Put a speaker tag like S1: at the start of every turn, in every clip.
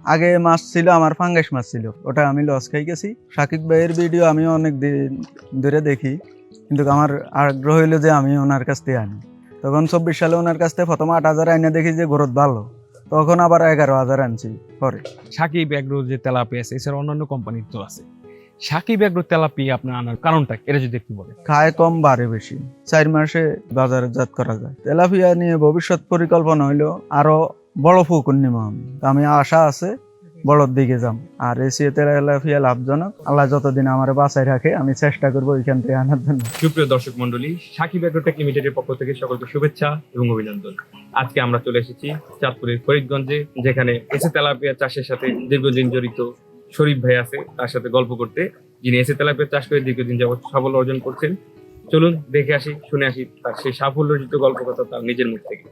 S1: আগে মাছ ছিল আমার ফাঙ্গাস মাছ ছিল, ওটা আমি লস খাই গেছি। সাকিব ভাইয়ের ভিডিও আমি অনেক দিন ধরে দেখি, কিন্তু আমার আগ্রহ হইলো যে আমি ওনার কাছ থেকে আনি। তখন 24 সালে ওনার কাছ থেকে প্রথম 8,000 আইনে দেখি যে গ্রোথ ভালো, তখন আবার 11,000 আনছি পরে।
S2: সাকিব এগ্রো যে তেলাপিয়া আছে এছাড়া অন্যান্য কোম্পানির তো আছে, সাকিব এগ্রো তেলাপিয়া আপনার আনার কারণটা এটা যদি একটু বলেন।
S1: খায় কম বাড়ে বেশি, 4 মাসে বাজারজাত করা যায়। তেলাপিয়া নিয়ে ভবিষ্যৎ পরিকল্পনা হইলো আরো বড় পুকুর নিব আমি আশা আছে বড়র দিকে যাম। আর এসিএ তেলাপিয়া লাভজনক, আল্লাহ যতদিন আমার বাঁচায় রাখে আমি চেষ্টা করবো ওইখান থেকে আনার জন্য।
S2: সুপ্রিয় দর্শক মন্ডলী, সাকিব এগ্রোটেক লিমিটেডের পক্ষ থেকে সকলকে শুভেচ্ছা এবং অভিনন্দন। আজকে আমরা চলে এসেছি চাঁদপুরের ফরিদগঞ্জে, যেখানে এসে তেলাপিয়া চাষের সাথে দীর্ঘদিন জড়িত শরীফ ভাই আছে, তার সাথে গল্প করতে, যিনি এসে তেলাপিয়া চাষ করে দীর্ঘদিন যাবত সাফল্য অর্জন করছেন। চলুন দেখে আসি, শুনে আসি তার সেই সাফল্য অর্জিত গল্প কথা তার নিজের মুখ থেকে।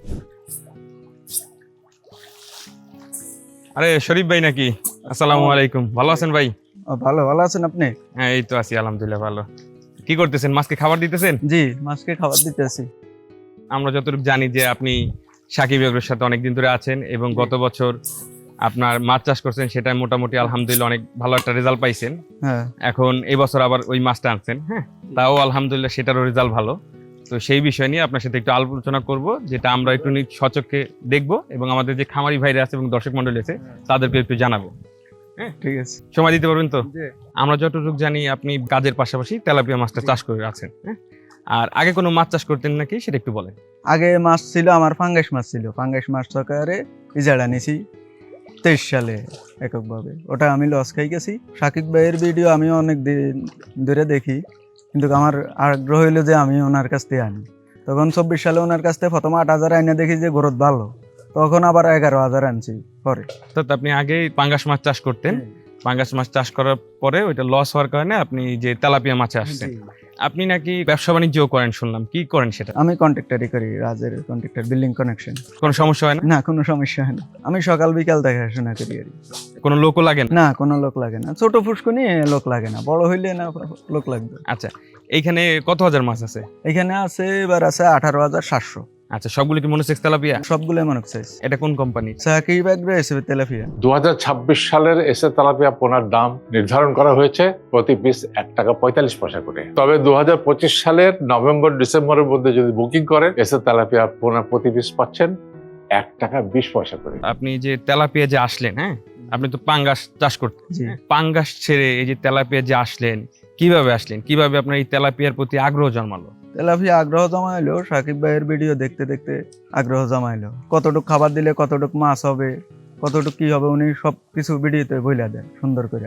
S2: আরে শরীফ ভাই নাকি? আসসালামু আলাইকুম, ভালো আছেন ভাই?
S1: ভালো ভালো আছেন আপনি?
S2: হ্যাঁ এই তো আছি আলহামদুলিল্লাহ ভালো। কি করতেছেন? মাছকে খাবার দিতেছেন?
S1: জি, মাছকে খাবার দিতেছি।
S2: আমরা যতটুকু জানি যে আপনি সাকিব এগ্রোর সাথে অনেকদিন ধরে আছেন এবং গত বছর আপনার মাছ চাষ করছেন, সেটা মোটামুটি আলহামদুলিল্লাহ অনেক ভালো একটা রেজাল্ট পাইছেন।
S1: হ্যাঁ,
S2: এখন এই বছর আবার ওই মাছটা আনছেন, হ্যাঁ তাও আলহামদুলিল্লাহ সেটারও রেজাল্ট ভালো। তো সেই বিষয় নিয়ে আপনার সাথে একটু আলোচনা করব, যেটা আমরা একটু সচক্ষে দেখবো এবং আমাদের যে খামারি ভাইরা আছে এবং দর্শক মন্ডলী আছে তাদেরকে একটু জানাবো। হ্যাঁ
S1: ঠিক আছে।
S2: সময় দিতে পারবেন তো? আমরা যতটুকু জানি আপনি কাজের পাশাপাশি তেলাপিয়া মাছটা চাষ করে আছেন, হ্যাঁ আর আগে কোনো মাছ চাষ করতেন নাকি সেটা একটু বলেন।
S1: আগে মাছ ছিল আমার ফাঙ্গাস মাছ ছিল, ফাঙ্গাস মাছ সরকারে ইজারা নিছি 23 সালে এককভাবে, ওটা আমি লস খাই গেছি। সাকিব ভাইয়ের ভিডিও আমি অনেক দিন ধরে দেখি, কিন্তু আমার আগ্রহ হইলো যে আমি ওনার কাছ থেকে আনি। তখন 24 সালে ওনার কাছ থেকে প্রথম 8,000 আইনে দেখি যে গ্রোথ ভালো, তখন আবার 11,000 আনছি পরে।
S2: অর্থাৎ আপনি আগে পাঙ্গাস মাছ চাষ করতেন, পাঙ্গাস মাছ চাষ করার পরে ওইটা লস হওয়ার কারণে আপনি যে তেলাপিয়া মাছে আসছেন। আপনি নাকি ব্যবসা বাণিজ্য করেন শুনলাম, কি করেন সেটা?
S1: আমি কন্ট্রাক্টরই করি, রাজের কন্ট্রাক্টর, বিল্ডিং কানেকশন।
S2: কোনো সমস্যা হয় না?
S1: না, কোনো সমস্যা হয় না। আমি সকাল বিকাল দেখাশোনা করি আর কি।
S2: কোনো লোকও লাগে না?
S1: না, কোনো লোক লাগে না। ছোট ফুসকুনি লোক লাগে না, বড় হইলে না লোক লাগবে।
S2: আচ্ছা, এইখানে কত হাজার মাছ আছে?
S1: এখানে আছে এবার আছে 18,700।
S2: আচ্ছা, সবগুলো কি মনোসেক্স তেলাপিয়া?
S1: সবগুলোই মনে চাইছে।
S2: এটা কোন কোম্পানি?
S1: সাকিব এগ্রো এসে তেলাপিয়া।
S3: 2026 সালের এসে তেলাপিয়া পোনার দাম নির্ধারণ করা হয়েছে প্রতি পিস 1 টাকা 45 পয়সা করে। তবে 2025 সালের নভেম্বর ডিসেম্বরের মধ্যে যদি বুকিং করেন, এসে তেলাপিয়া পোনা প্রতি পিস পাচ্ছেন 1 টাকা 20 পয়সা করে।
S2: আপনি যে তেলাপিয়া যে আসলেন, হ্যাঁ আপনি তো পাঙ্গাস চাষ করতেন,
S1: জি।
S2: পাঙ্গাস ছেড়ে এই যে তেলাপিয়া যে আসলেন, কিভাবে আসলেন? কিভাবে আপনার এই তেলাপিয়ার প্রতি আগ্রহ জন্মালো?
S1: তেলাপিয়া আগ্রহ জমাইলো সাকিব ভাইয়ের ভিডিও দেখতে দেখতে, আগ্রহ জমাইলো। কতটুক খাবার দিলে কতটুক মাছ হবে, কতটুক কি হবে, উনি সব কিছু ভিডিওতে বইলা দেন সুন্দর করে।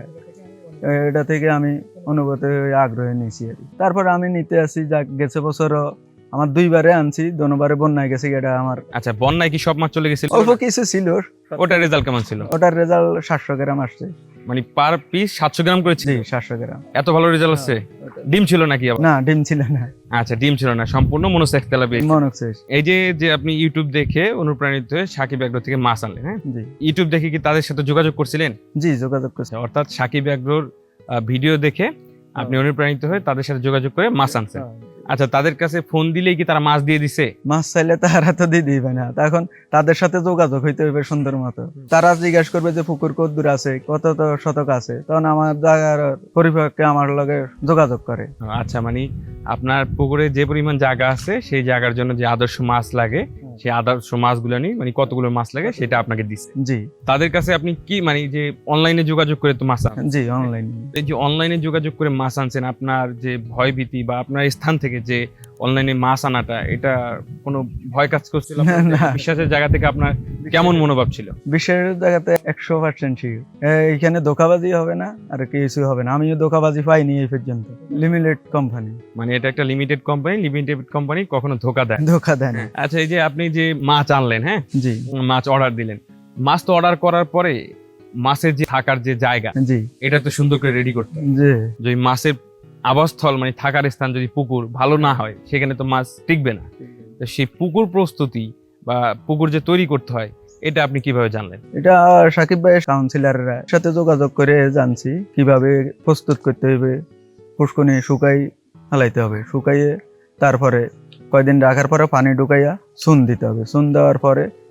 S1: এটা থেকে আমি অনুগত হয়ে আগ্রহে নিয়েছি আর কি। তারপর আমি নিতে আসি, যা গেছে বছরও আমার 2বারে আনছি, দোনোবারে বন্যায় গেছে। এটা আমার
S2: আচ্ছা, বন্যায় কি সব মাছ চলে গেছিল?
S1: অল্প কিছু ছিল।
S2: ওটার রেজাল্ট কেমন ছিল?
S1: ওটার রেজাল্ট 700 গ্রাম আসছে।
S2: মানে পার পিস 700 গ্রাম করেছিল?
S1: জি, 700 গ্রাম।
S2: এত ভালো রেজাল্ট আসছে? ডিম ছিল নাকি আবার?
S1: না, ডিম ছিল না।
S2: আচ্ছা, ডিম ছিল না, সম্পূর্ণ মনোসেক্স তেলাপিয়া।
S1: মনোসেক্স।
S2: এই যে আপনি ইউটিউব দেখে অনুপ্রাণিত হয়ে সাকিব এগ্রো থেকে মাছ আনলেন, হ্যাঁ
S1: জি
S2: ইউটিউব দেখে কি তাদের সাথে যোগাযোগ করছিলেন?
S1: জি, যোগাযোগ করছি।
S2: অর্থাৎ সাকিব এগ্রোর ভিডিও দেখে আপনি অনুপ্রাণিত হয়ে তাদের সাথে যোগাযোগ করে মাছ আনছেন। আচ্ছা, তাদের কাছে ফোন দিলেই কি তারা মাছ দিয়ে দিছে?
S1: মাছ চাইলে তারা তো দিয়ে দিবে না, তখন তাদের সাথে যোগাযোগ হইতে হবে সুন্দর মতো। তারা জিজ্ঞাসা করবে যে পুকুর কত দূর আছে, কত শতক আছে, তখন আমার জায়গার পরিপক্ষে আমার লগে যোগাযোগ করে।
S2: আচ্ছা, মানে আপনার পুকুরে যে পরিমাণ জায়গা আছে সেই জায়গার জন্য যে আদর্শ মাছ লাগে, সেই আদর্শ মাছগুলো নিয়ে মানে কতগুলো মাছ লাগে সেটা আপনাকে দিচ্ছে।
S1: জি।
S2: তাদের কাছে আপনি কি মানে যে অনলাইনে যোগাযোগ করে তো মাছ আনেন?
S1: জি, অনলাইন।
S2: এই যে অনলাইনে যোগাযোগ করে মাছ আনছেন, আপনার যে ভয় ভীতি বা আপনার স্থান থেকে যে অনলাইনে মাছ আনাটা, এটা কোনো ভয় কাজ করছিল?
S1: না।
S2: বিশ্বাসের জায়গা থেকে আপনার কেমন মনোভাব ছিল?
S1: বিশ্বের জায়গাতে 100% শিওর এইখানে ধোকাবাজি হবে না, আর কিছু হবে না। আমিও ধোকাবাজি পাইনি এই পর্যন্ত। লিমিটেড কোম্পানি,
S2: মানে এটা একটা লিমিটেড কোম্পানি কখনো ধোকা দেয় না।
S1: ধোকা দেয় না।
S2: আচ্ছা, এই যে আপনি যে মাছ আনলেন, হ্যাঁ
S1: জি
S2: মাছ অর্ডার দিলেন, মাছ তো অর্ডার করার পরে মাছের যে থাকার যে জায়গা,
S1: জি
S2: এটা তো সুন্দর করে রেডি করতে হবে।
S1: জি
S2: যে মাছের আবাসস্থল মানে থাকার স্থান যদি পুকুর ভালো না হয়, সেখানে তো মাছ টিকবে না। তো সেই পুকুর প্রস্তুতি বা পুকুর যে তৈরি করতে হয়, এটা আপনি কিভাবে জানলেন?
S1: এটা সাকিব ভাইয়ের কাউন্সিলররা সাথে যোগাযোগ করে জানছি কিভাবে প্রস্তুত করতে হবে। পুষ্কনি শুকাই হালাইতে হবে, শুকাইয়ে তারপরে কয়দিন রাখার পরে পানি ঢুকাইয়া চুন দিতে হবে। চুন দেওয়ার পরে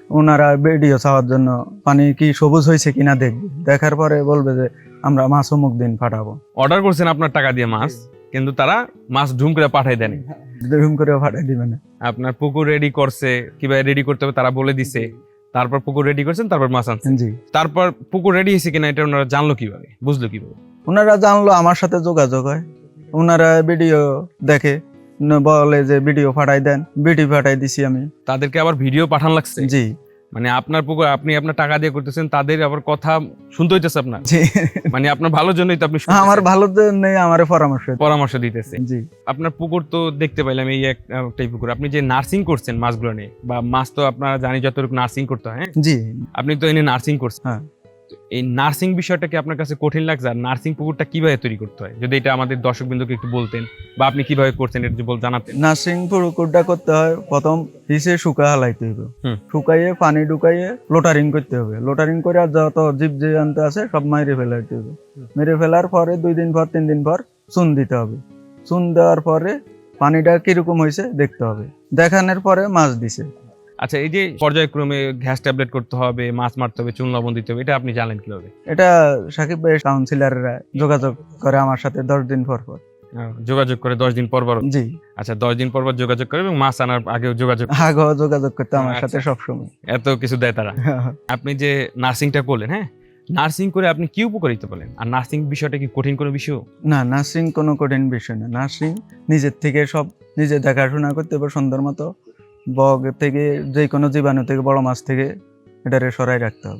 S1: ওনারা ভিডিও চাওয়ার জন্য পানি কি সবুজ হয়েছে কিনা দেখবে, দেখার পরে বলবে যে আমরা মাছ অমুক দিন পাঠাবো।
S2: অর্ডার করছেন আপনার টাকা দিয়ে মাছ, কিন্তু তারা মাছ ঢুম করে পাঠাই দেন।
S1: এরকম করে পাঠাই দিবে না।
S2: আপনার পুকুর রেডি করছে, কিভাবে রেডি করতে হবে তারা বলে দিছে, তারপর পুকুর রেডি করছেন, তারপর মাছ আনছেন।
S1: জি,
S2: তারপর পুকুর রেডি হয়েছে কিনা এটা ওনারা জানলো কিভাবে, বুঝলো কিভাবে?
S1: ওনারা জানলো আমার সাথে যোগাযোগ হয়, ওনারা ভিডিও দেখে, বলে যে ভিডিও পাঠাই দেন, ভিডিও পাঠাই দিছি আমি।
S2: তাদেরকে আবার ভিডিও পাঠান লাগছে?
S1: জি
S2: মানে আপনার পুকুর আপনি আপনার টাকা দিয়ে করতেছেন, তাদের আবার কথা শুনতে হইতেছে আপনার,
S1: জি,
S2: মানে আপনার ভালোর জন্যই তো আপনি শুনতেছেন।
S1: আমার ভালো নেই, আমার
S2: পরামর্শ দিতেছে।
S1: জি,
S2: আপনার পুকুর তো দেখতে পাইলাম এই একটাই পুকুর, আপনি যে নার্সিং করছেন মাছগুলো নিয়ে, বা মাছ তো আপনারা জানি যতটুকু নার্সিং করতে হয়, হ্যাঁ
S1: জি,
S2: আপনি তো এনে নার্সিং করছেন।
S1: হ্যাঁ।
S2: এই নার্সিং বিষয়টা কি আপনার কাছে কঠিন লাগছে? আর নার্সিং পুকুরটা কিভাবে তৈরি করতে হয় যদি এটা আমাদের দর্শকবৃন্দকে একটু বলতেন, বা আপনি কিভাবে করছেন এটা যদি জানাতেন।
S1: নার্সিং পুকুরটা করতে হয়, প্রথম হিসে শুকা হালাইতে হবে,
S2: হুম।
S1: শুকাইয়ে পানি ঢুকাইয়ে লোটারিং করতে হবে, লোটারিং করে আর যত জীব জীবাণু আছে সব মেরে ফেলাইতে হবে। মেরে ফেলার পরে 2 দিন পর 3 দিন পর চুন দিতে হবে। চুন দেওয়ার পরে পানিটা কিরকম হয়েছে দেখতে হবে, দেখানোর পরে মাছ দিছে।
S2: আচ্ছা, এই যে পর্যায়ক্রমে গ্যাস ট্যাবলেট করতে হবে, মাছ মারতে হবে, চুন লবণ দিতে হবে, এটা আপনি জানেন কিভাবে?
S1: এটা সাকিব ভাই কাউন্সিলররা যোগাযোগ করে আমার সাথে 10 দিন পর পর।
S2: যোগাযোগ করে 10 দিন পর পর?
S1: জি,
S2: আচ্ছা, 10 দিন পর পর যোগাযোগ করে এবং মাছ আনার আগেও যোগাযোগ?
S1: আগেও যোগাযোগ করতে আমার
S2: আচ্ছা।
S1: সাথে সবসময়।
S2: এত কিছু দেয় তারা। আপনি যে নার্সিংটা করলেন, হ্যাঁ, নার্সিং করে আপনি কি উপকারিতা পেলেন? আর নার্সিং বিষয়টা কি কঠিন কোনো বিষয়?
S1: না, নার্সিং কোনো কঠিন বিষয় না। নার্সিং নিজের থেকে সব নিজে দেখাশোনা করতে হবে সুন্দর মতো। বগ থেকে যে কোনো জীবাণু থেকে, বড় মাছ থেকে এটারে সরাই রাখতে হবে।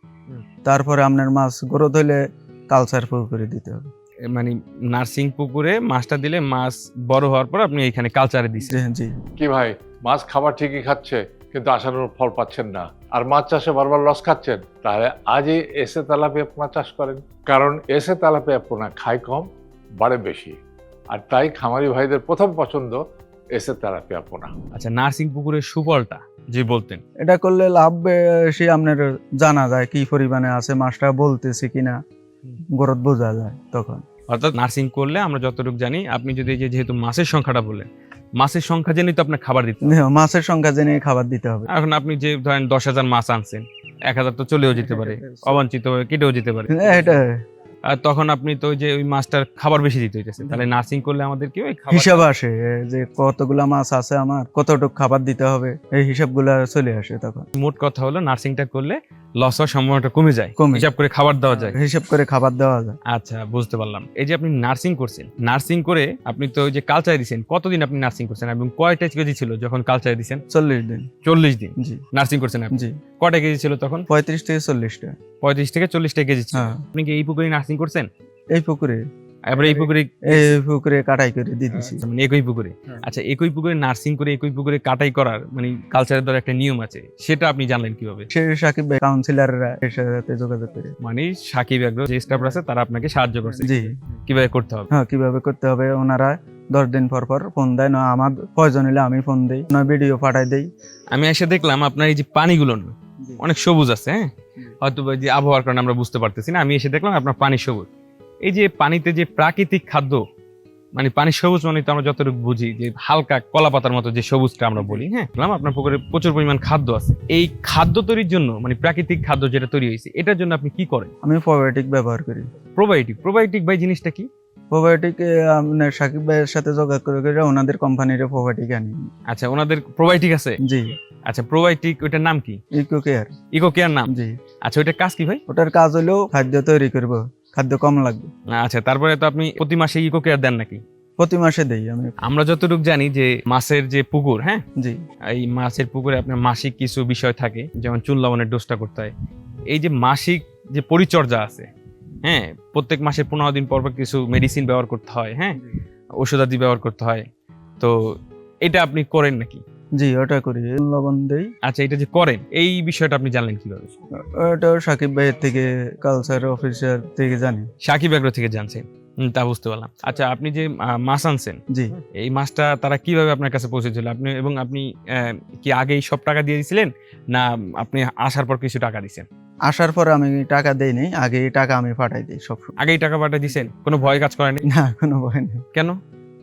S1: তারপরে আপনার মাছ গ্রোথ হইলে কালচার করে দিতে হবে।
S2: মানে নার্সিং পুকুরে মাছটা দিলে মাছ বড় হওয়ার পর আপনি এখানে কালচারে দিচ্ছেন?
S1: জি,
S3: কি ভাই, মাছ খাবার ঠিকই খাচ্ছে কিন্তু আশানুরূপ ফল পাচ্ছেন না, আর মাছ চাষে বারবার লস খাচ্ছেন, তাহলে আজই এসে তেলাপিয়া পোনা চাষ করেন। কারণ এসে তেলাপিয়া পোনা খায় কম, বাড়ে বেশি, আর তাই খামারি ভাইদের প্রথম পছন্দ এসে তেলাপিয়া পোনা।
S2: আচ্ছা, নার্সিং পুকুরের সুফলটা যে বলতেন?
S1: এটা করলে লাভ বেশি আপনার জানা যায় কি পরিমাণে আছে, মাছটা বলতেছে কিনা গ্রোথ বোঝা যায় তখন।
S2: অর্থাৎ নার্সিং করলে আমরা যতটুকু জানি, আপনি যদি যেহেতু মাছের সংখ্যাটা বললেন, মাছের সংখ্যা জেনেই তো আপনার খাবার দিতে হবে।
S1: মাছের সংখ্যা জেনে খাবার দিতে হবে।
S2: এখন আপনি যে ধরেন 10,000 মাছ আনছেন, 1,000 তো চলেও যেতে পারে, অবাঞ্ছিত কেটেও যেতে পারে,
S1: এটা
S2: আর তখন আপনি তো যে ওই মাছটার খাবার বেশি দিতে হইতেছে। তাহলে নার্সিং করলে আমাদের কি ওই
S1: হিসাব আসে যে কতগুলা মাছ আছে আমার, কতটুকু খাবার দিতে হবে, এই হিসাবগুলা চলে আসে তখন।
S2: মোট কথা হলো নার্সিংটা করলে লস হওয়ার সম্ভাবনাটা কমে যায়,
S1: কমে।
S2: হিসাব করে খাবার দেওয়া যায়।
S1: হিসাব করে খাবার দেওয়া যায়।
S2: আচ্ছা, বুঝতে পারলাম। এই যে আপনি নার্সিং করছেন, নার্সিং করে আপনি তো ওই যে কালচারে দিয়েছেন, কতদিন আপনি নার্সিং করছেন এবং কয়টা কেজি ছিল যখন কালচারে দিয়েছেন?
S1: 40 দিন।
S2: 40 দিন
S1: জি,
S2: নার্সিং করছেন আপনি?
S1: জি।
S2: কয়টা কেজি ছিল তখন?
S1: 35 থেকে 40টা।
S2: 35 থেকে 40টা কেজি ছিল।
S1: হ্যাঁ,
S2: আপনি কি এই পুকুরে নার্সিং করছেন?
S1: এই পুকুরে
S2: এবার এই পুকুরে
S1: কাটাই করে দিয়ে দিছি।
S2: মানে একই পুকুরে? আচ্ছা, একই পুকুরে নার্সিং করে একই পুকুরে কাটাই করার মানে কালচারের দ্বারা একটা নিয়ম আছে, সেটা আপনি জানলেন কিভাবে?
S1: সে সাকিব ভাই কাউন্সিলররা এর সাথে যোগাযোগ করে।
S2: মানে সাকিব এগ্রো যে স্টাফ আছে তারা আপনাকে সাহায্য করছে
S1: জি,
S2: কিভাবে করতে হবে?
S1: হ্যাঁ, কিভাবে করতে হবে ওনারা 10 দিন পর পর ফোন দেয়, না আমার প্রয়োজন হলে আমি ফোন দেই, না ভিডিও পাঠাই দেই।
S2: আমি এসে দেখলাম আপনার এই যে পানিগুলো না অনেক সবুজ আছে, হ্যাঁ, হয়তো যে আবহাওয়ার কারণে আমরা বুঝতে পারতেছি না। আমি এসে দেখলাম আপনার পানি সবুজ। এই যে পানিতে যে প্রাকৃতিক খাদ্য, মানে পানি সবুজ মানে তো আমরা যতটুকু বুঝি যে হালকা কলা পাতার মতো যে সবুজটা আমরা বলি, হ্যাঁ, আপনার পুকুরে প্রচুর পরিমাণ খাদ্য আছে। এই খাদ্য তৈরির জন্য মানে প্রাকৃতিক খাদ্য যেটা তৈরি হয়েছে, এটার জন্য আপনি কি করেন?
S1: আমি প্রোবায়োটিক ব্যবহার করি।
S2: প্রোবায়োটিক ভাই জিনিসটা কি?
S1: প্রোবায়োটিক আপনার সাকিব ভাইয়ের সাথে যোগাযোগ করে ওনাদের কোম্পানির প্রোবায়োটিক আনি।
S2: আচ্ছা, ওনাদের প্রোবায়োটিক আছে?
S1: জি।
S2: আচ্ছা, প্রোবায়োটিক ওটার নাম কি?
S1: Eco care.
S2: ইকো কেয়ার নাম?
S1: জি।
S2: আচ্ছা, ওটার কাজ কি ভাই?
S1: ওটার কাজ হলো খাদ্য তৈরি করব, খাদ্য কম লাগবে।
S2: আচ্ছা, তারপরে তো আপনি প্রতি মাসে ইকো কেয়ার দেন নাকি?
S1: প্রতি মাসে দেই আমি।
S2: আমরা যতটুকু জানি যে মাছের যে পুকুর, হ্যাঁ,
S1: জি,
S2: এই মাছের পুকুরে আপনার মাসিক কিছু বিষয় থাকে, যেমন চুন লবণের ডোজটা করতে হয়। এই যে মাসিক যে পরিচর্যা আছে, হ্যাঁ, প্রত্যেক মাসে 15 দিন পর পর কিছু মেডিসিন ব্যবহার করতে হয়, হ্যাঁ, ওষুধাদি ব্যবহার করতে হয়, তো এটা আপনি করেন নাকি?
S1: জি, ওটা করি, লবণ দেই।
S2: আচ্ছা, এটা যে করেন এই বিষয়টা আপনি জানলেন কিভাবে?
S1: ওটাও সাকিব ভাইয়ের থেকে, কালচার অফিসার থেকে জানি।
S2: সাকিব এগ্রো থেকে জানছেন? তা বুঝতে পারলাম। আচ্ছা, আপনি যে মাছ আনছেন,
S1: জি,
S2: এই মাছটা তারা কিভাবে আপনার কাছে পৌঁছেছিল? আপনি কি আগেই সব টাকা দিয়ে দিয়েছিলেন, না আপনি আসার পর কিছু টাকা দিয়েছেন?
S1: আসার পর আমি টাকা দেই নাই, আগে টাকা আমি পাঠাই দিই সব।
S2: আগেই টাকা পাঠিয়ে দিয়েছেন? কোনো ভয় কাজ করেনি?
S1: না, কোনো ভয় নেই।
S2: কেন?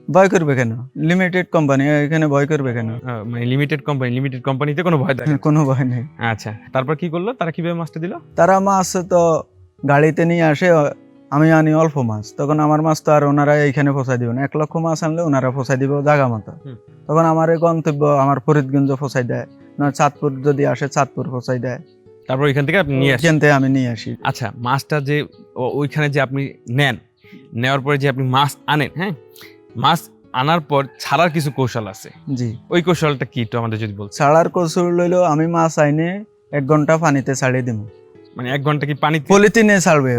S1: ভয় করবে কেন? লিমিটেড কোম্পানি, এখানে ভয় করবে কেন?
S2: মানে লিমিটেড কোম্পানিতে কোনো ভয় থাকে না।
S1: কোনো ভয় নেই।
S2: আচ্ছা, তারপর কি করলো তারা, কিভাবে মাছটা দিল?
S1: তারা মাছ তো গাড়িতে নিয়ে আসে, আমি আনি অল্প মাছ, তখন আমার মাছ তো আর ওনারা এইখানে পৌঁছাই দিব না। 1 লক্ষ মাছ আনলে ওনারা পৌঁছাই দিব জায়গা মতো। তখন আমার এই গন্তব্য আমার ফরিদগঞ্জ পৌঁছাই দেয়, না চাঁদপুর যদি আসে চাঁদপুর পৌঁছাই দেয়,
S2: তারপর ওইখান থেকে আপনি নিয়ে আসেন।
S1: এখান থেকে আমি নিয়ে আসি।
S2: আচ্ছা, মাছটা যে ওইখানে যে আপনি নেওয়ার পরে যে আপনি মাছ আনেন, হ্যাঁ, মাছ আনার পর ছাড়ার কিছু কৌশল আছে,
S1: জি,
S2: ওই কৌশলটা কি একটু আমাদের যদি বলছেন।
S1: ছাড়ার কৌশল হইলো আমি মাছ আইনে 1 ঘন্টা পানিতে ছাড়িয়ে দিব।
S2: মানে 1 ঘন্টা কি পানি
S1: পলিথিনে ছাড়বে,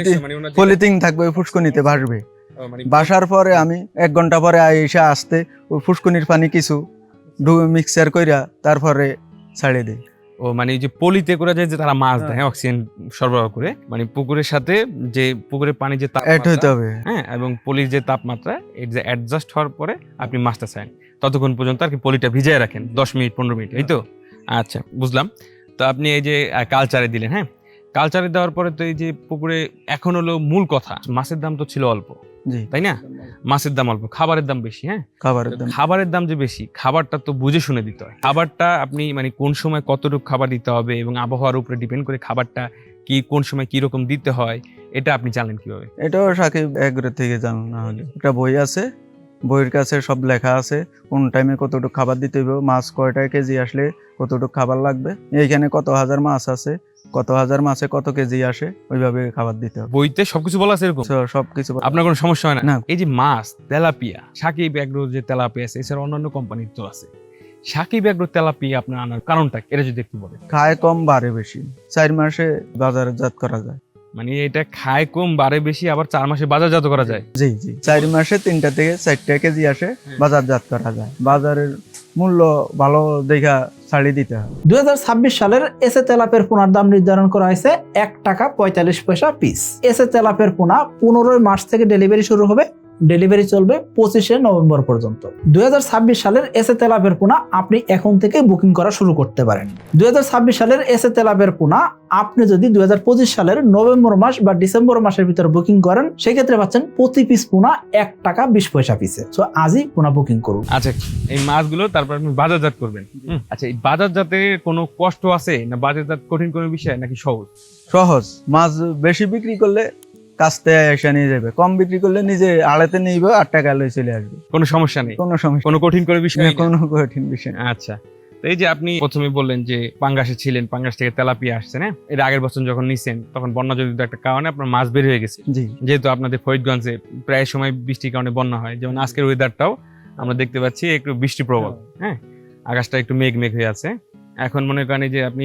S1: পলিথিন থাকবে, ফুসকুনিতে ভাসবে। বাসার পরে আমি 1 ঘন্টা পরে এসে আসতে ওই ফুসকুনির পানি কিছু মিক্সার কইরা তারপরে ছাড়িয়ে দিই।
S2: ও মানে এই যে পলিতে করে যায় যে তারা মাছ দেয়, হ্যাঁ, অক্সিজেন সরবরাহ করে, মানে পুকুরের সাথে যে পুকুরের পানি যে
S1: অ্যাড হইতে হবে।
S2: হ্যাঁ, এবং পলির যে তাপমাত্রা এটা অ্যাডজাস্ট হওয়ার পরে আপনি মাছটা চান, ততক্ষণ পর্যন্ত আর কি পলিটা ভিজিয়ে রাখেন 10 মিনিট 15 মিনিট, এই তো? আচ্ছা, বুঝলাম। তো আপনি এই যে কালচারে দিলেন, হ্যাঁ, কালচারে দেওয়ার পরে তো এই যে পুকুরে এখন হলো মূল কথা, মাছের দাম তো ছিল অল্প,
S1: জি,
S2: তাই না? মাছের দাম অল্প, খাবারের দাম বেশি, হ্যাঁ।
S1: খাবারের দাম
S2: যে বেশি, খাবারটা তো বুঝে শুনে দিতে হয়। খাবারটা আপনি মানে কোন সময় কতটুকু খাবার দিতে হবে এবং আবহাওয়ার উপরে ডিপেন্ড করে খাবারটা কি কোন সময় কি রকম দিতে হয়, এটা আপনি জানেন কিভাবে?
S1: এটাও সাকিব এগ্রো থেকে জানো, না হলে একটা বই আছে, বইয়ের কাছে সব লেখা আছে কোন টাইমে কতটুকু খাবার দিতে হবে, মাছ কয়টা কেজি আসলে কতটুকু খাবার লাগবে, এইখানে কত হাজার মাছ আছে, কত হাজার মাছে কত কেজি আসে, ওইভাবে খাবার দিতে হবে।
S2: বইতে সবকিছু বলা আছে এরকম?
S1: সবকিছু।
S2: আপনার কোনো সমস্যা হয় না?
S1: না।
S2: এই যে মাছ তেলাপিয়া, সাকিব এগ্রো যে তেলাপিয়া আছে, এছাড়া অন্যান্য কোম্পানির তো আছে, সাকিব এগ্রো তেলাপিয়া আপনার আনার কারণটা এটা যদি একটু বলেন।
S1: খায় কম বাড়ে বেশি, 4 মাসে বাজারজাত করা যায়।
S2: মানে এটা খায় কম বাড়ে বেশি, আবার 4 মাসে বাজারজাত করা যায়?
S1: জি জি, 4 মাসে 3টা থেকে 4টা কেজি আসে, বাজারজাত করা যায়। বাজারের মূল্য ভালো দেখা ছাড়িয়ে দিতে হয়।
S4: 2026 সালের এসে তেলাপের পোনার দাম নির্ধারণ করা হয়েছে 1 টাকা 45 পয়সা পিস। এসে তেলাপের পোনা 15 মার্চ থেকে ডেলিভারি শুরু হবে, ডেলিভারি চলবে 25 নভেম্বর পর্যন্ত। 2026 সালের এসে তেলাপের পোনা আপনি এখন থেকে বুকিং করা শুরু করতে পারেন। 2026 সালের এসে তেলাপের পোনা আপনি যদি 2025 সালের নভেম্বর মাস বা ডিসেম্বর মাসের ভিতরে বুকিং করেন, সেক্ষেত্রে পাচ্ছেন প্রতি পিস পোনা 1 টাকা 20 পয়সা পিসে। সো আজই পোনা বুকিং করুন।
S2: আচ্ছা, এই মাছগুলো তারপর আপনি বাজারজাত করবেন। আচ্ছা, এই বাজারজাতে কোনো কষ্ট আছে না, বাজারজাত কঠিন কোনো বিষয় নাকি সহজ?
S1: সহজ। মাছ বেশি বিক্রি করলে কাস্তে এসে নিয়ে যাবে, কম বিক্রি করলে নিজে আড়াতে নিবে, 8 টাকা লয়ে চলে আসবে।
S2: কোনো সমস্যা নেই?
S1: কোনো সমস্যা,
S2: কোনো কঠিন কোনো বিষয় নেই?
S1: কোনো কঠিন বিষয় না।
S2: আচ্ছা, তো এই যে আপনি প্রথমে বললেন যে পাঙ্গাসে ছিলেন, পাঙ্গাস থেকে তেলাপিয়া আসছে, না? এর আগের বছর যখন নিছেন তখন বন্যা জনিত একটা কারণে আপনার মাছ বের হয়ে গেছে।
S1: জি,
S2: যেহেতু আপনাদের ফরিদগঞ্জে প্রায় সময় বৃষ্টির কারণে বন্যা হয়, যেমন আজকের ওয়েদারটাও আমরা দেখতে পাচ্ছি একটু বৃষ্টি প্রবল, হ্যাঁ, আকাশটা একটু মেঘ হয়ে আছে। এখন মনে করেন যে আপনি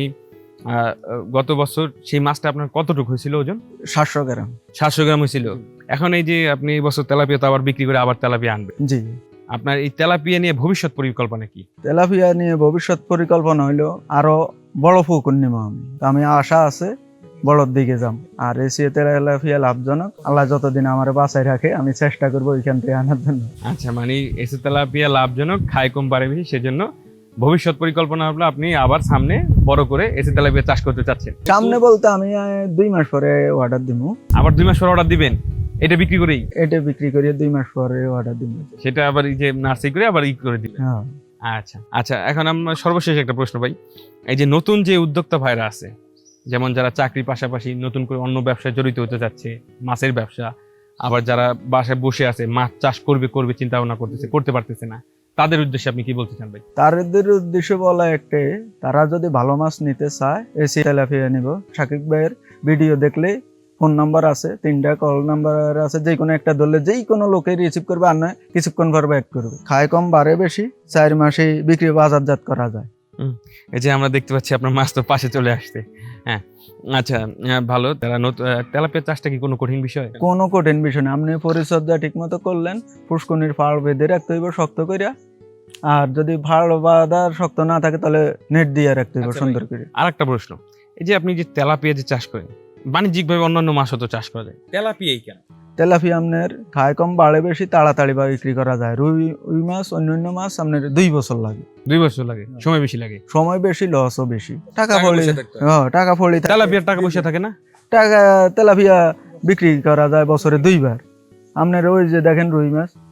S2: গত বছর সেই মাছটা আপনার কতটুকু হয়েছিল ওজন?
S1: 700 গ্রাম।
S2: 700 গ্রাম হয়েছিল। এখন এই যে আপনি এই বছর তেলাপিয়া তো আবার বিক্রি করে আবার তেলাপিয়া আনবে,
S1: জি।
S2: আপনার এই তেলাপিয়া নিয়ে ভবিষ্যৎ পরিকল্পনা কি?
S1: তেলাপিয়া নিয়ে ভবিষ্যৎ পরিকল্পনা হইলো আরো বড় পুকুর নিব আমি আশা আছে বড়র দিকে যাম। আর এসিয়ে তেলাপিয়া লাভজনক, আল্লাহ যতদিন আমার বাঁচায় রাখে আমি চেষ্টা করবো ওইখান থেকে আনার জন্য।
S2: আচ্ছা, মানে এসে তেলাপিয়া লাভজনক, খায় কম বাড়ে বেশি, সেজন্য ভবিষ্যৎ পরিকল্পনা হলো আপনি আবার সামনে বড় করে এসে তেলাপিয়া চাষ করতে চাচ্ছেন।
S1: সামনে বলতে আমি 2 মাস পরে অর্ডার দিব।
S2: আবার 2 মাস পর অর্ডার দিবেন? এটা বিক্রি করেই?
S1: এটা বিক্রি করে 2 মাস পরে অর্ডার দিব।
S2: সেটা আবার এই যে নার্সারি করে আবার করে দিবেন?
S1: হ্যাঁ।
S2: আচ্ছা আচ্ছা, এখন আমরা সর্বশেষ একটা প্রশ্ন ভাই, এই যে নতুন যে উদ্যোক্তা ভাইরা আছে, যেমন যারা চাকরির পাশাপাশি নতুন করে অন্য ব্যবসায় জড়িত হতে যাচ্ছে, মাছের ব্যবসা, আবার যারা বাসায় বসে আছে মাছ চাষ করবে চিন্তা ভাবনা করতেছে, করতে পারতেছে না, তাদের উদ্দেশ্যে আপনি কি বলতে চান ভাই?
S1: তাদের উদ্দেশ্য বলা একটাই, তারা যদি ভালো মাছ নিতে চায় এসি তেলাপিয়া নিব। সাকিব ভাইয়ের ভিডিও দেখলে ফোন নাম্বার আছে, 3টা কল নাম্বার আছে, যে কোনো একটা ধরলে যেই কোনো লোকে রিসিভ করবে, আর নয় কিছুক্ষণ পর ব্যাক করবে। খায় কম বাড়ে বেশি, 4 মাসে বিক্রি বাজারজাত করা যায়।
S2: এই যে আমরা দেখতে পাচ্ছি আপনার মাছ তো পাশে চলে আসছে, হ্যাঁ। আচ্ছা, ভালো। তেলাপিয়া চাষটা কি কোনো কঠিন বিষয়?
S1: কোনো কঠিন বিষয় না, আপনি পরিচর্যা ঠিক মতো করলেন, পুষ্কনির ফাড় বেঁধে রাখতে হইব শক্ত করিয়া, আর যদি ফাড় বাঁধার শক্ত না থাকে তাহলে নেট দিয়ে রাখতে হইব সুন্দর করে।
S2: আর একটা প্রশ্ন, এই যে আপনি যে তেলাপিয়া যে চাষ করেন, বাণিজ্যিকভাবে অন্যান্য মাছও তো চাষ করা যায়, তেলাপিয়াই কেন?
S1: তেলাপিয়া আপনার খায় কম বাড়ে বেশি, তাড়াতাড়ি বিক্রি করা যায়। রুই মাছ অন্যান্য মাছ আপনার 2 বছর লাগে।
S2: 2 বছর লাগে, সময় বেশি লাগে।
S1: সময় বেশি, লসও বেশি। টাকা ফলি, টাকা ফলি।
S2: তেলাপিয়ার টাকা পয়সা থাকে না?
S1: তেলাপিয়া বিক্রি করা যায় বছরে 2 বার। আপনার ওই যে দেখেন রুই মাছ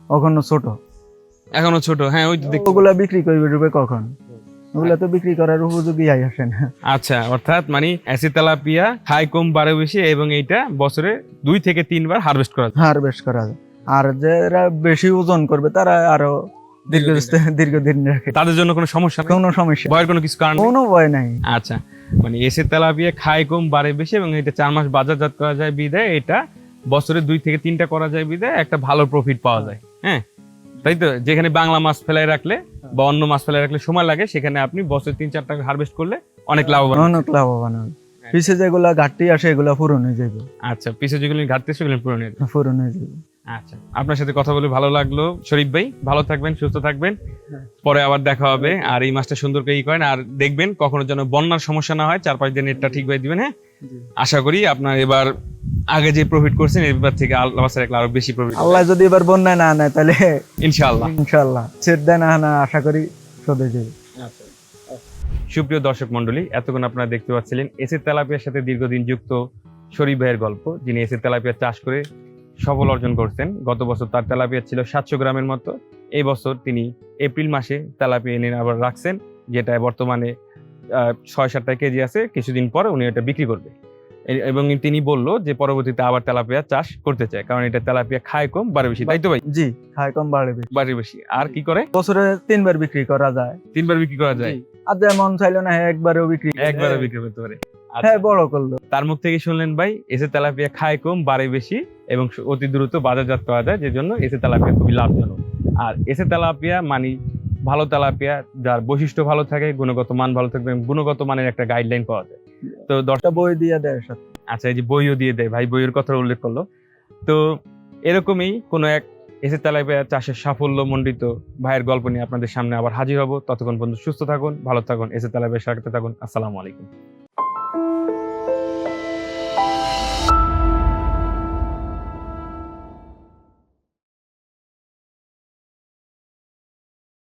S1: ওখানে ছোট,
S2: এখনো ছোট, হ্যাঁ ওই তো দেখতে
S1: ওগুলা বিক্রি করবে কখন? ওগুলা তো বিক্রি করার উপযোগী আসে না।
S2: আচ্ছা, অর্থাৎ মানে এসি তেলাপিয়া খায় কম বাড়ে বেশি, এবং এইটা বছরে 2 থেকে 3 বার হারভেস্ট করা যায়।
S1: হারভেস্ট করা যায়। আর যারা বেশি ওজন করবে তারা আরো দীর্ঘদিন রাখে,
S2: তাদের জন্য কোনো সমস্যা নেই,
S1: কোনো সমস্যা,
S2: ভয়ের কোনো কিছু কারণ নেই?
S1: কোনো ভয় নাই।
S2: আচ্ছা, মানে এসি তেলাপিয়া খায় কম বাড়ে বেশি, এবং এটা 4 মাস বাজারজাত করা যায় বিদায় এটা বছরে 2 থেকে 3টা করা যায় বিদায় একটা ভালো প্রফিট পাওয়া যায়। হ্যাঁ, তাই তো? যেখানে বাংলা মাছ ফেলায় রাখলে বা অন্য মাছ ফেলায় রাখলে সময় লাগে, সেখানে আপনি বছরে 3-4 টাকা হারভেস্ট করলে অনেক লাভবান।
S1: অনেক লাভবান হবে। পিছে যেগুলা ঘাটতি আসে এগুলা পূরণ হয়ে যাবে।
S2: আচ্ছা, পিছে যেগুলো ঘাটতি সেগুলো পূরণ হয়ে যাবে।
S1: পূরণ হয়ে যাবে।
S2: আচ্ছা, আপনার সাথে কথা বলে ভালো লাগলো শরীফ ভাই, ভালো থাকবেন, সুস্থ থাকবেন, পরে আবার দেখা হবে। আর এই মাছটা সুন্দর করে করেন, আর দেখবেন কখনো যেন বন্যার সমস্যা না হয়, 4-5 দিন নেটটা ঠিকভাবে দিবেন। হ্যাঁ, আশা করি আপনার এবার আগে যে প্রফিট করছেন এবার থেকে আল্লাহ রাখলে আরো বেশি প্রফিট।
S1: আল্লাহ যদি এবার বন্যায় না নেয় তাহলে
S2: ইনশাআল্লাহ
S1: ইনশাআল্লাহ ছেড় দেয় না, আশা করি শোধে যাবে।
S2: সুপ্রিয় দর্শক মন্ডলী, এতক্ষণ আপনারা দেখতে পাচ্ছিলেন এসি তেলাপিয়ার সাথে দীর্ঘদিন যুক্ত শরীফ ভাইয়ের গল্প, যিনি এসি তেলাপিয়া চাষ করে সফল অর্জন করছেন। গত বছর তার তেলাপিয়া ছিল 700 গ্রামের মতো। এই বছর তিনি এপ্রিল মাসে তেলাপিয়া এনে আবার রাখছেন, যেটা বর্তমানে 6-7 কেজি আছে। কিছুদিন পর উনি এটা বিক্রি করবে, এবং তিনি বলল যে পরবর্তীতে আবার তেলাপিয়া চাষ করতে চায়, কারণ এটা তেলাপিয়া খায় কম বাড়ে বেশি, তাই তো ভাই?
S1: জি, খায় কম বাড়ে বেশি।
S2: বাড়ে বেশি। আর কি করে?
S1: বছরে 3 বার বিক্রি করা যায়।
S2: 3 বার বিক্রি করা যায়।
S1: আর যেমন চাইলো না একবারেও বিক্রি,
S2: একবারে বিক্রি করতে পারে।
S1: হ্যাঁ, বড় করলো।
S2: তার মুখ থেকে শুনলেন ভাই, এসে তেলাপিয়া খায় কম বাড়ে বেশি এবং অতি দ্রুত বাজারজাত করা যায়, যে জন্য এসে তেলাপিয়া খুবই লাভজনক। আর এসে তেলাপিয়া মানে ভালো তেলাপিয়া, যার বৈশিষ্ট্য ভালো থাকে, গুণগত মান ভালো থাকবে, গুণগত মানের একটা গাইডলাইন পাওয়া যায়। তো
S1: একটা বই দিয়ে দেয় সাথে।
S2: আচ্ছা, এই যে বইও দিয়ে দেয়, ভাই বইয়ের কথা উল্লেখ করলো। তো এরকমই কোনো এক এসে তেলাপিয়া চাষের সাফল্য মণ্ডিত ভাইয়ের গল্প নিয়ে আপনাদের সামনে আবার হাজির হব। ততক্ষণ পর্যন্ত সুস্থ থাকুন, ভালো থাকুন, এসে তেলাপিয়া সাথে থাকুন। আসসালামু আলাইকুম।